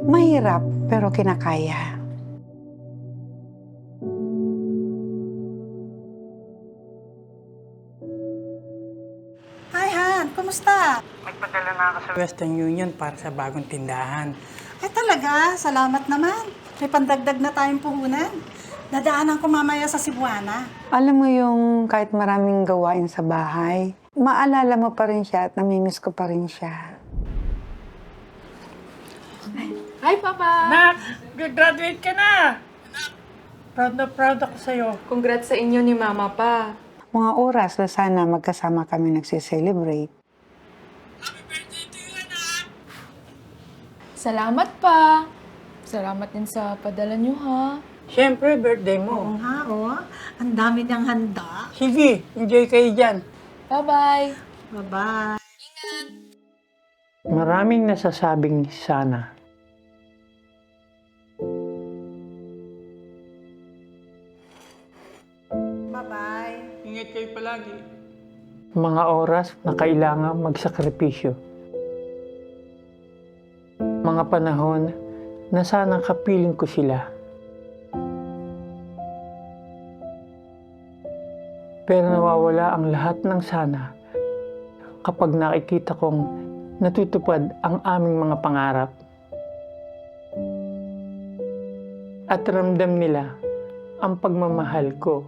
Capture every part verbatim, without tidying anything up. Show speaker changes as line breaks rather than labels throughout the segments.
Mahirap pero kinakaya.
Hi, Han. Kumusta?
Nagpadala na ako sa Western Union para sa bagong tindahan.
Ay talaga, salamat naman. May pandagdag na tayong puhunan. Dadaanan ko mamaya sa Cebuana.
Alam mo yung kahit maraming gawain sa bahay, maalala mo pa rin siya at namimiss ko pa rin siya.
Hi, Papa!
Nak! Graduate ka na! Proud na proud ako sa'yo.
Congrats sa inyo ni Mama pa.
Mga oras na sana magkasama kami nagsiselebrate.
Salamat pa! Salamat din sa padala niyo, ha?
Siyempre, birthday
Oo
mo.
nga, oh. Ang dami niyang handa.
Sige, enjoy kayo dyan.
Bye-bye!
Bye-bye.
Maraming nasasabing sana.
Bye-bye.
Ingat kayo palagi. Mga oras na kailangan magsakripisyo. Mga panahon na sana kapiling ko sila. Pero nawawala ang lahat ng sana kapag nakikita kong natutupad ang aming mga pangarap. At ramdam nila ang pagmamahal ko.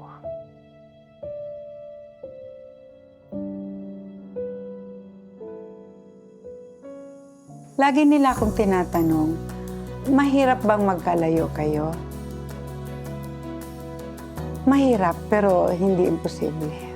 Lagi nila akong tinatanong, mahirap bang magkalayo kayo? Mahirap pero hindi imposible.